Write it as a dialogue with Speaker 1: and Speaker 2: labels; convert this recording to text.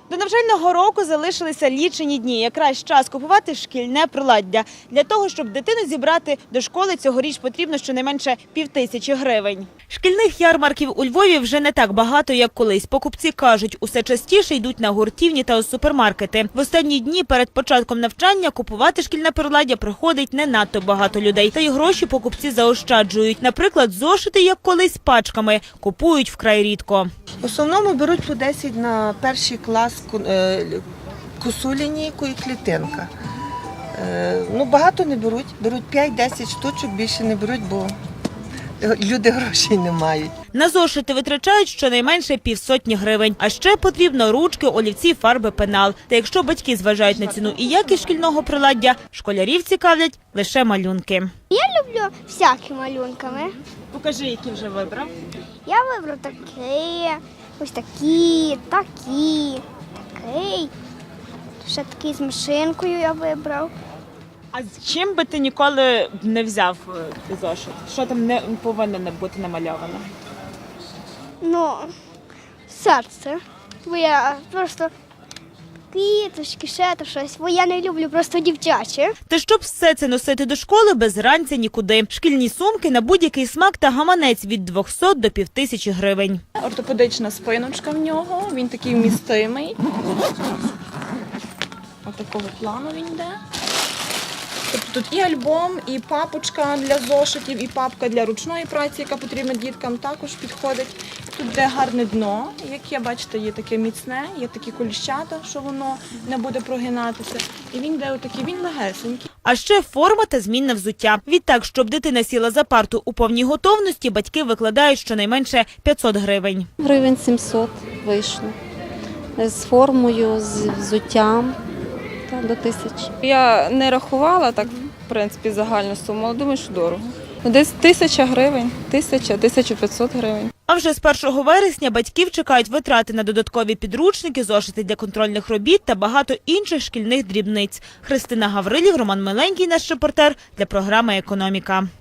Speaker 1: До навчального року залишилися лічені дні. Якраз час купувати шкільне приладдя. Для того, щоб дитину зібрати до школи, цьогоріч потрібно щонайменше 5000 гривень. Шкільних ярмарків у Львові вже не так багато, як колись. Покупці кажуть, усе частіше йдуть на гуртівні та у супермаркети. В останні дні перед початком навчання купувати шкільне приладдя приходить не надто багато людей. Та й гроші покупці заощаджують. Наприклад, зошити, як колись, пачками, купують вкрай рідко.
Speaker 2: В основному беруть по 10 на перший клас косу лінійку і клітинка. Багато не беруть, беруть 5-10 штучок, більше не беруть, бо люди грошей не мають.
Speaker 1: На зошити витрачають щонайменше 500 гривень. А ще потрібно ручки, олівці, фарби, пенал. Та якщо батьки зважають на ціну і якість шкільного приладдя, школярів цікавлять лише малюнки.
Speaker 3: Я люблю всякі малюнками.
Speaker 1: Покажи, які вже вибрав.
Speaker 3: Я вибрав такі, ось такі, такий. Ще такий з машинкою я вибрав.
Speaker 1: А з чим би ти ніколи не взяв зошит? Що там не повинно бути намальовано?
Speaker 3: Серце. Бо я просто квіточки, ще то щось. Бо я не люблю просто дівчаче.
Speaker 1: Та щоб все це носити до школи, без ранця нікуди. Шкільні сумки на будь-який смак та гаманець від 200 до 5000 гривень.
Speaker 4: Ортопедична спиночка в нього, він такий вмістимий. Отакого плану він йде. Тобто тут і альбом, і папочка для зошитів, і папка для ручної праці, яка потрібна діткам, також підходить. Тут де гарне дно, яке, бачите, є таке міцне, є такі коліщата, що воно не буде прогинатися. І він йде отакий, він легесенький.
Speaker 1: А ще форма та змінне взуття. Відтак, щоб дитина сіла за парту у повній готовності, батьки викладають щонайменше 500 гривень.
Speaker 5: Гривень 700 вийшло. З формою, з взуттям до 1000.
Speaker 6: Я не рахувала так, в принципі, загальну суму, але думаю, що дорого. Десь 1000 гривень, 1000-1500 гривень.
Speaker 1: А вже з 1 вересня батьків чекають витрати на додаткові підручники, зошити для контрольних робіт та багато інших шкільних дрібниць. Христина Гаврилів, Роман Миленький, наш репортер для програми «Економіка».